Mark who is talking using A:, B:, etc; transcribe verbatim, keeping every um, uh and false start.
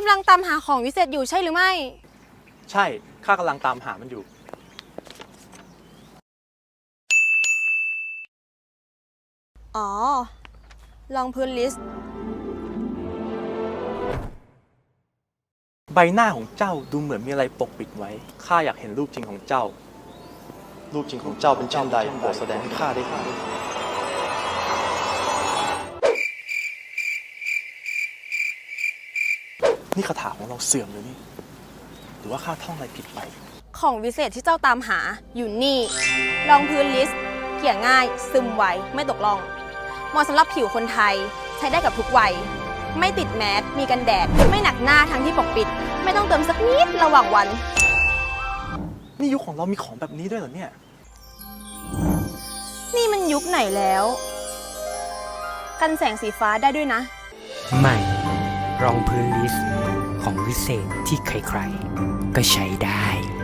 A: ำลังตามหาของวิเศษอยู่ใช่หรือไม่
B: ใช่ข้ากำลังตามหามันอยู่
A: อ๋อลองพื้นลิสต์
B: ใบหน้าของเจ้าดูเหมือนมีอะไรปกปิดไว้ข้าอยากเห็นรูปจริงของเจ้ารูปจริงของเจ้าเป็นเช่นใดโปรดแสดงให้ข้าได้เห็นนี่คาถาของเราเสื่อมเลยนี่หรือว่าข้าท่องอะไรผิดไป
A: ของวิเศษที่เจ้าตามหาอยู่นี่รองพื้นลิสต์เกลี่ยง่ายซึมไวไม่ตกล่องเหมาะสำหรับผิวคนไทยใช้ได้กับทุกวัยไม่ติดแมสมีกันแดดไม่หนักหน้าทั้งที่ปกปิดไม่ต้องเติมสักนิดระหว่างวัน
B: นี่ยุคของเรามีของแบบนี้ด้วยเหรอเนี่ย
A: นี่มันยุคไหนแล้วกันแสงสีฟ้าได้ด้วยนะ
C: ใหม่รองพื้นลิสต์ของวิเศษที่ใครๆก็ใช้ได้